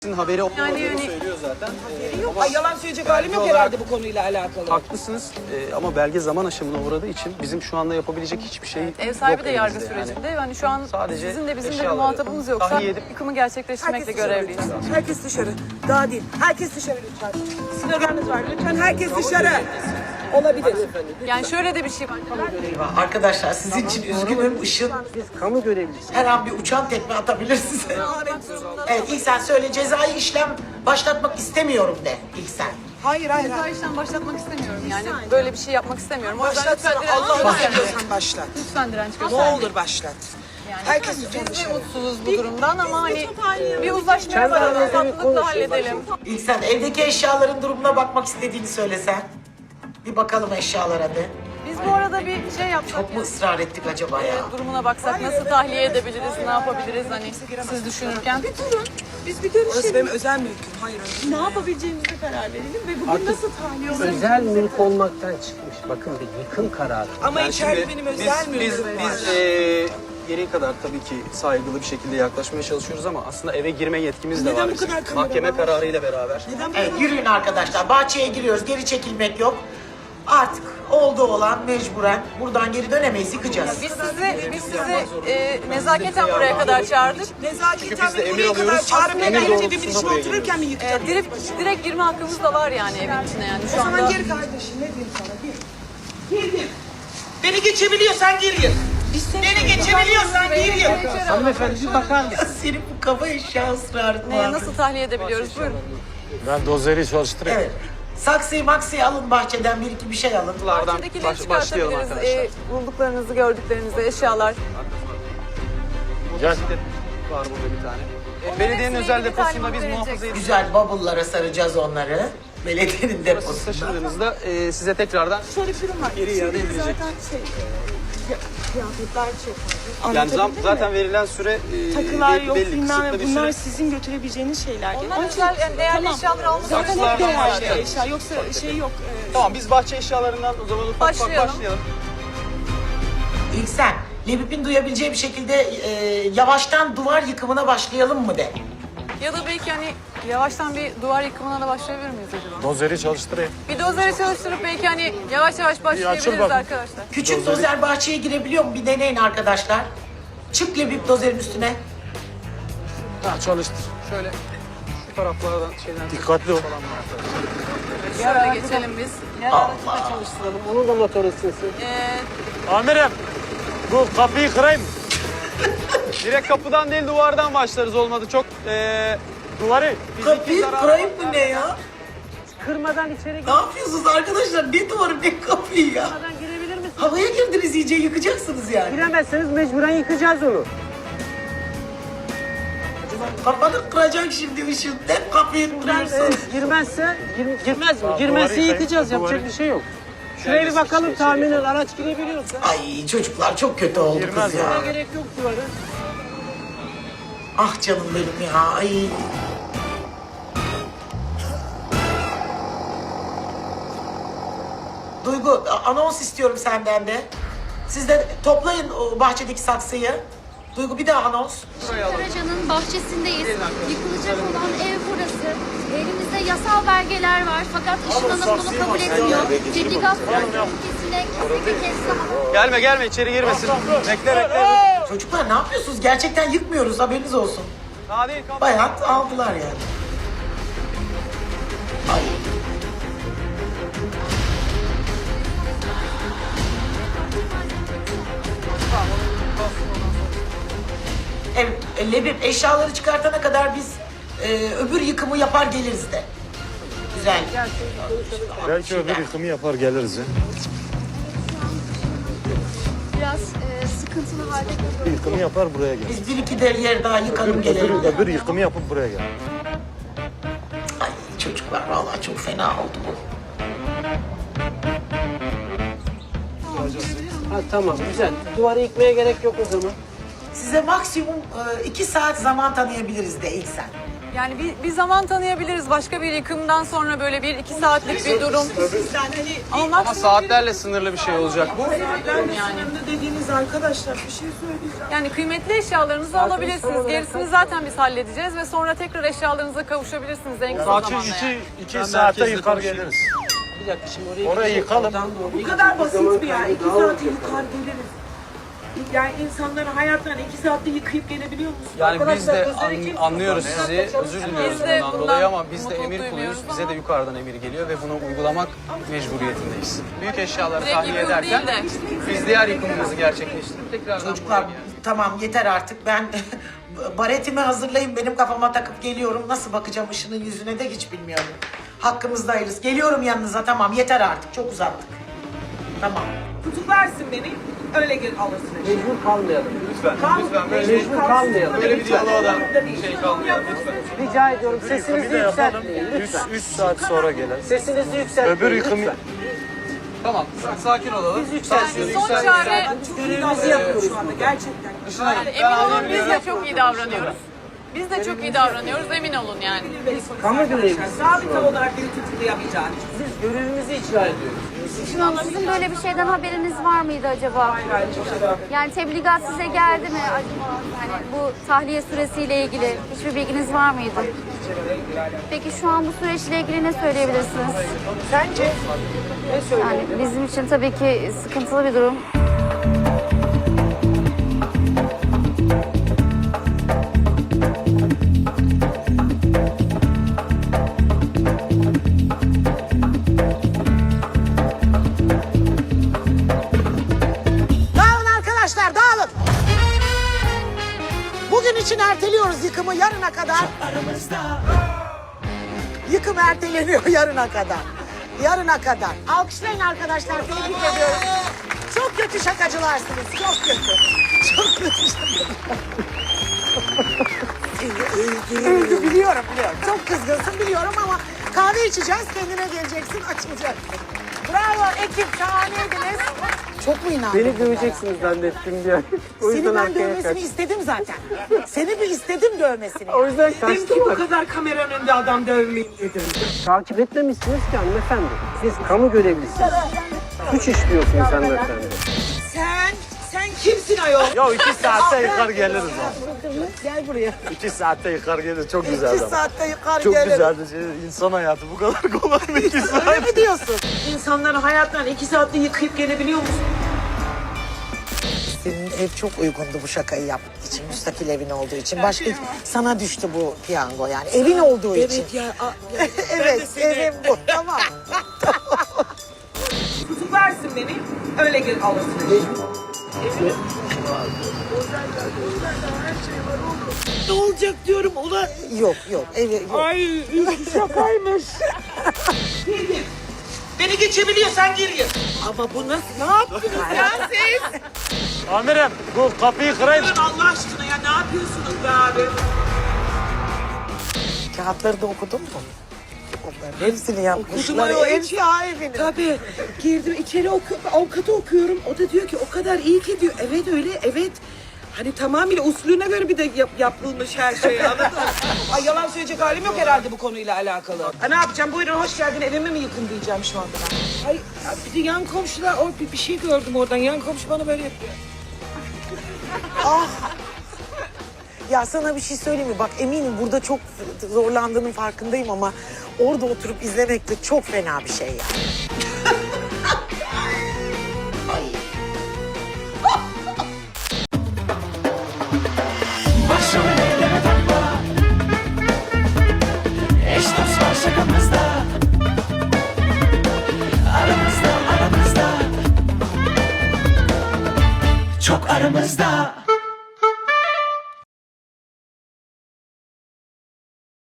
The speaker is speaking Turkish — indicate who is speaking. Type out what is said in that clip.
Speaker 1: haberi olduğunu
Speaker 2: Yani
Speaker 1: söylüyor zaten.
Speaker 3: Yok, ay yalan söyleyecek halim yok herhalde bu konuyla alakalı.
Speaker 1: Haklısınız ama belge zaman aşımına uğradığı için bizim şu anda yapabilecek hiçbir şey yok.
Speaker 2: ev sahibi de yargı
Speaker 1: elimizde
Speaker 2: sürecinde. Yani şu an
Speaker 1: sadece
Speaker 2: sizin de bizim de bir
Speaker 1: eşyaları
Speaker 2: muhatabımız yoksa
Speaker 1: tahliye edip-
Speaker 2: yıkımı gerçekleştirmekle görevliyiz.
Speaker 3: Herkes dışarı. Daha değil. Herkes dışarı lütfen. Sloganınız var. Lütfen herkes dışarı. Olabilir.
Speaker 2: Yani şöyle de bir şey var.
Speaker 4: Eyvah, arkadaşlar sizin için üzgünüm. Işın
Speaker 5: Kamu görevlisi.
Speaker 4: her an bir uçan tekme atabilir size. Evet ilk sen söyle, cezai işlem başlatmak istemiyorum de ilk sen.
Speaker 3: Hayır hayır.
Speaker 2: Ceza işlem başlatmak istemiyorum. Yani böyle bir şey yapmak istemiyorum. O yüzden
Speaker 3: Başlatsana.
Speaker 2: lütfen direnç
Speaker 3: Allah'ını
Speaker 2: göstermeyin.
Speaker 3: seviyorsan başlat.
Speaker 2: Lütfen direnç
Speaker 3: Ne
Speaker 2: göstermeyin.
Speaker 3: olur başlat.
Speaker 2: Yani
Speaker 3: Herkes
Speaker 2: biz
Speaker 3: lütfen
Speaker 2: de
Speaker 3: dışarı.
Speaker 2: mutsuzuz bu durumdan ama hani bir uzlaşmaya varalım, tatlılıkla halledelim.
Speaker 4: İlk sen evdeki eşyaların durumuna bakmak istediğini söylesen. Bir bakalım eşyalara de.
Speaker 2: Biz bu arada bir şey yapsak.
Speaker 4: Çok mu ısrar ettik acaba ya?
Speaker 2: Durumuna baksak nasıl tahliye edebiliriz, ne yapabiliriz hani siz düşünürken.
Speaker 3: Biz bir görüşelim. Orası benim özel mülküm. Hayır öyle.
Speaker 6: Ne yapabileceğimize karar verelim ve bugün nasıl tahliye olur?
Speaker 5: Özel mülk olmaktan çıkmış. Bakın bir yıkım kararı.
Speaker 3: Ama içeride
Speaker 1: Şimdi
Speaker 3: benim özel mülküm var.
Speaker 1: biz gereği kadar tabii ki saygılı bir şekilde yaklaşmaya çalışıyoruz ama aslında eve girme yetkimiz de
Speaker 3: Neden
Speaker 1: var
Speaker 3: bu
Speaker 1: bizim.
Speaker 3: kadar kamera
Speaker 1: Mahkeme
Speaker 3: var?
Speaker 1: kararıyla beraber.
Speaker 4: Evet yürüyün arkadaşlar. Bahçeye giriyoruz. Geri çekilmek yok. Artık oldu olan mecburen. Buradan geri dönemeyiz. Yıkacağız.
Speaker 2: Biz sizi nezaketen buraya kadar çağırdık.
Speaker 3: Nezaketen
Speaker 1: biz de
Speaker 3: beni
Speaker 1: emir
Speaker 3: buraya kadar
Speaker 1: alıyoruz.
Speaker 3: çağırıp
Speaker 1: Emir
Speaker 3: neden
Speaker 1: doğrultusunda
Speaker 3: evimin içine
Speaker 1: buraya
Speaker 3: otururken mi yıkacağım?
Speaker 2: Direkt girme hakkımız da var yani evin içine yani
Speaker 3: O
Speaker 2: şu
Speaker 3: zaman
Speaker 2: anda.
Speaker 3: gir kardeşim. Ne diyeyim sana? Gir. Gir. Beni geçebiliyorsan gir. Beni geçebiliyorsan gir.
Speaker 5: Hanımefendi bir bakar mısın?
Speaker 4: Ya senin bu kafa eşya ısrarın
Speaker 2: Neye
Speaker 4: var.
Speaker 2: nasıl tahliye edebiliyoruz? Buyurun.
Speaker 7: Ben dozeri çalıştırayım.
Speaker 4: Evet. Saksıyı maksıyı alın bahçeden bir iki bir şey alın.
Speaker 1: Bunlardan
Speaker 2: Bahçedekileri
Speaker 1: başlayalım
Speaker 2: çıkartabiliriz.
Speaker 1: arkadaşlar.
Speaker 2: Bulduklarınızı, gördüklerinizi, eşyalar.
Speaker 7: Gel.
Speaker 1: Var burada bir tane. Belediyenin
Speaker 2: hepsine
Speaker 1: özel
Speaker 2: ilgili
Speaker 1: deposunda
Speaker 2: talimat
Speaker 1: biz muhafaza
Speaker 2: verecek.
Speaker 1: edeceğiz.
Speaker 4: Güzel bubble'lara saracağız onları. Belediyenin
Speaker 1: Siz
Speaker 4: deposunda.
Speaker 1: taşındığınızda size tekrardan
Speaker 6: Şöyle bir durum var.
Speaker 1: Geri iade edilecek.
Speaker 6: Zaten kıyafetler çok fazla.
Speaker 1: yani
Speaker 6: Anlatabildim
Speaker 1: zaten
Speaker 6: mi?
Speaker 1: verilen süre
Speaker 6: Takılar
Speaker 1: belli,
Speaker 6: yok
Speaker 1: belli
Speaker 6: bilmem
Speaker 1: kısıtlı
Speaker 6: ne.
Speaker 1: bir
Speaker 6: Bunlar
Speaker 1: süre.
Speaker 6: sizin götürebileceğiniz şeyler.
Speaker 2: Onlar özel yani değerli eşyalar almak
Speaker 6: Zaten hep
Speaker 1: Saksılardan
Speaker 6: değerli
Speaker 1: başlayalım.
Speaker 6: eşya. Yoksa şey yok.
Speaker 1: Tamam biz bahçe eşyalarından o zaman ufak ufak
Speaker 2: Başlayalım.
Speaker 1: başlayalım.
Speaker 4: İlk sen Lebip'in duyabileceği bir şekilde yavaştan duvar yıkımına başlayalım mı de.
Speaker 2: Ya da belki hani yavaştan bir duvar yıkımına da başlayabilir miyiz acaba?
Speaker 7: Dozeri çalıştırayım.
Speaker 2: Bir dozeri çalıştırıp belki hani yavaş yavaş başlayabiliriz
Speaker 7: bakın.
Speaker 2: arkadaşlar.
Speaker 4: Küçük dozer bahçeye girebiliyor mu? Bir deneyin arkadaşlar. Çık Lebip dozerin üstüne.
Speaker 7: Ha, çalıştır.
Speaker 1: Şöyle şu taraflardan şeyden
Speaker 7: Dikkatli ol.
Speaker 2: Şöyle geçelim biz.
Speaker 5: Çalıştıralım. Onun da motoru ısınsın.
Speaker 7: Amirim, bu kapıyı kırayım mı?
Speaker 1: direkt kapıdan değil duvardan başlarız olmadı çok
Speaker 7: Duvarı.
Speaker 4: Kapıyı
Speaker 1: zarar
Speaker 4: kırayım mı ne ya?
Speaker 5: Kırmadan içeri
Speaker 4: Ne yapıyorsunuz arkadaşlar? Ne duvarı ne kapıyı ya?
Speaker 5: girmeden girebilir misiniz?
Speaker 4: Havaya girdiniz iyice yıkacaksınız yani.
Speaker 5: Giremezseniz mecburen yıkacağız onu.
Speaker 4: Kafanı kıracak şimdi ışın. Hep kapıyı kırıyorsun.
Speaker 5: Girmezse, girmez mi? Girmezse
Speaker 7: duvarı
Speaker 5: yıkacağız.
Speaker 7: yıkayın,
Speaker 5: Yapacak bir şey yok. Şuraya bir bakalım tahminen araç girebiliyorsa.
Speaker 4: Ay çocuklar çok kötü oldu
Speaker 7: Girmez
Speaker 4: kız ya.
Speaker 5: Gerek yok duvarı.
Speaker 4: Ah canım benim ya. Ay. Duygu anons istiyorum senden de. Siz de toplayın o bahçedeki saksıyı. Duygu bir daha anons.
Speaker 8: Karacan'ın bahçesindeyiz. Yıkılacak olan ev burası. Elimizde yasal belgeler var fakat Işın Hanım bunu kabul etmiyor. Tebligat ülkesine kesinlikle kestim.
Speaker 1: Gelme içeri girmesin. Bekle.
Speaker 4: Çocuklar ne yapıyorsunuz? Gerçekten yıkmıyoruz haberiniz olsun.
Speaker 1: Daha değil kapı.
Speaker 4: Bayağı aldılar yani. Ay. Evet, Lebip eşyaları çıkartana kadar biz öbür yıkımı yapar geliriz de. Güzel.
Speaker 7: Belki öbür yıkımı yapar geliriz ya.
Speaker 8: Biraz sıkıntılı halde kalıyor.
Speaker 7: Yıkımı yapar buraya gel.
Speaker 4: Biz bir iki de yer daha yıkalım gelelim de.
Speaker 7: Öbür yıkımı yapıp buraya gel.
Speaker 4: Ay çocuklar vallahi çok fena oldu bu.
Speaker 5: Ha, tamam güzel. Duvarı yıkmaya gerek yok o zaman.
Speaker 4: Size maksimum 2 saat zaman tanıyabiliriz de ilk sen.
Speaker 2: Yani bir zaman tanıyabiliriz. Başka bir yıkımdan sonra böyle 1-2 saatlik bir durum.
Speaker 1: Ama saatlerle sınırlı bir şey olacak bu.
Speaker 3: Sınırlı dediğiniz arkadaşlar bir şey söyleyeceğim.
Speaker 2: Yani kıymetli eşyalarınızı alabilirsiniz. Gerisini zaten biz halledeceğiz ve sonra tekrar eşyalarınıza kavuşabilirsiniz en kısa
Speaker 7: Sakin
Speaker 2: zamanda. Yani.
Speaker 7: iki saatte yıkar geliriz.
Speaker 5: Bir dakika şimdi oraya
Speaker 7: Orayı yıkalım.
Speaker 3: Bu kadar basit mi ya? 2 saat yıkar geliriz. Yani insanları hayatlarını 2 saatte yıkayıp gelebiliyor musun?
Speaker 1: Yani biz
Speaker 3: Arkadaşlar,
Speaker 1: de
Speaker 3: özel ekip-
Speaker 1: anlıyoruz sizi, özür diliyoruz
Speaker 2: Biz de
Speaker 1: bundan
Speaker 2: bundan
Speaker 1: dolayı ama biz de
Speaker 2: mutluluk
Speaker 1: emir kuluyuz.
Speaker 2: duymuyoruz
Speaker 1: Bize
Speaker 2: ama-
Speaker 1: de yukarıdan emir geliyor ve bunu uygulamak mecburiyetindeyiz. Büyük eşyaları
Speaker 2: Direkt
Speaker 1: tahliye
Speaker 2: yıkım
Speaker 1: ederken
Speaker 2: değil de.
Speaker 1: biz diğer yıkımımızı gerçekleştirip tekrardan
Speaker 4: Çocuklar
Speaker 1: buraya geldik.
Speaker 4: tamam yeter artık. Ben baretimi hazırlayayım, benim kafama takıp geliyorum. Nasıl bakacağım ışının yüzüne de hiç bilmiyorum. Hakkımızdayız. Geliyorum yanınıza, tamam yeter artık. Çok uzattık. Tamam.
Speaker 3: Tutuklarsın beni. Öyle gel alırsın.
Speaker 5: mecbur kalmayalım.
Speaker 1: Lütfen böyle
Speaker 5: Mecbur kalmayalım.
Speaker 1: böyle bir diyaloğa da şey kalmayalım lütfen.
Speaker 5: Rica ediyorum sesinizi
Speaker 7: Yıkımı da yapalım.
Speaker 5: yükseltmeyin lütfen.
Speaker 7: 3 saat sonra gelen.
Speaker 5: Sesinizi yükseltmeyin
Speaker 7: Öbür yıkımı
Speaker 5: lütfen.
Speaker 1: Tamam sakin olalım.
Speaker 5: Biz yükseltiyoruz.
Speaker 2: Son çare
Speaker 3: Görevimizi yapıyoruz şu anda gerçekten.
Speaker 2: yani emin olun biz de çok iyi davranıyoruz. Biz de çok iyi davranıyoruz emin olun yani.
Speaker 5: Kamu görevlisi.
Speaker 3: Sabit olarak beni tutuklayamayacağını.
Speaker 5: Biz görevimizi icra ediyoruz.
Speaker 8: Sizin böyle bir şeyden haberiniz var mıydı acaba? Yani tebligat size geldi mi acaba? Yani bu tahliye süresiyle ilgili hiçbir bilginiz var mıydı? Peki şu an bu süreçle ilgili ne söyleyebilirsiniz?
Speaker 3: Sence?
Speaker 5: Ne söyleyeyim?
Speaker 8: Yani bizim için tabii ki sıkıntılı bir durum.
Speaker 4: Dağılın arkadaşlar, dağılın. Bugün için erteliyoruz yıkımı yarına kadar. Yıkım erteleniyor yarına kadar. Yarına kadar. Alkışlayın arkadaşlar, tebrik ediyorum. Çok kötü şakacılarsınız, çok kötü. Çok kötü şakacılar. Öldü biliyorum. Çok kızgınsın biliyorum ama kahve içeceğiz, kendine geleceksin, açılacaksın. Bravo ekip, şahaneydiniz. Çok mu inandın?
Speaker 5: Beni döveceksiniz zannettim bir an. O
Speaker 4: Seni
Speaker 5: yüzden
Speaker 4: ben
Speaker 5: arkaya
Speaker 4: dövmesini
Speaker 5: kaçtım.
Speaker 4: istedim zaten. Seni bir istedim dövmesini.
Speaker 5: O yüzden
Speaker 3: Dedim ki
Speaker 5: kaçtım.
Speaker 3: bu kadar kameranın önünde adam dövmeyin dedim.
Speaker 5: Takip etmemişsiniz ki hanımefendi. Siz kamu görevlisiniz. Suç işliyorsunuz hanımefendi.
Speaker 3: Sen kimsin ayol?
Speaker 7: Ya 2 saatte yıkar geliriz abi.
Speaker 4: Gel buraya.
Speaker 7: 2 saatte yıkar geliriz. Çok güzel
Speaker 4: 2
Speaker 7: adam.
Speaker 4: saatte yukarı
Speaker 7: Çok
Speaker 4: gelirim.
Speaker 7: güzeldi. İnsan hayatı bu kadar kolay mı 2 saat?
Speaker 4: Öyle mi diyorsun?
Speaker 3: İnsanların hayatlarını 2 saatte yıkayıp gelebiliyor musun?
Speaker 4: Senin ev çok uygundu bu şakayı yapmak için. Müstakil evin olduğu için. Başka sana düştü bu piyango yani. Evin olduğu için.
Speaker 3: Evet ya.
Speaker 4: Evet, evim bu. Tamam.
Speaker 3: Tutuklarsın beni. Öyle gel alırsın. Ne olacak diyorum ulan.
Speaker 4: Yok. Evi yok.
Speaker 3: Ay şakaymış. Gir. Beni geçebiliyorsan gir. Ama bu nasıl? Ne yaptınız ya siz?
Speaker 7: Amirim bu kapıyı kırayım.
Speaker 3: Durun Allah aşkına ya ne yapıyorsunuz be abi?
Speaker 4: Kağıtları da okudun mu? Onların hepsini yapmışlar.
Speaker 3: ayol,
Speaker 4: Ev
Speaker 3: hepsi-
Speaker 4: sahibinin.
Speaker 3: Tabii. Girdim içeri avukatı okuyorum. O da diyor ki o kadar iyi ki diyor. Evet öyle evet. Hani tamamıyla usulüne göre bir de yapılmış her şey anladın mı? Ay yalan söyleyecek halim yok herhalde bu konuyla alakalı. Ha, ne yapacağım? Buyurun hoş geldin evime mi yıkın diyeceğim şu anda ben. Ay bir de yan komşular bir şey gördüm oradan. Yan komşu bana böyle yapıyor.
Speaker 4: Ya sana bir şey söyleyeyim mi? Bak eminim burada çok zorlandığının farkındayım ama orada oturup izlemek de çok fena bir şey ya.
Speaker 9: Başımı elleme takma. Eş dost var şakamızda. Aramızda Çok aramızda.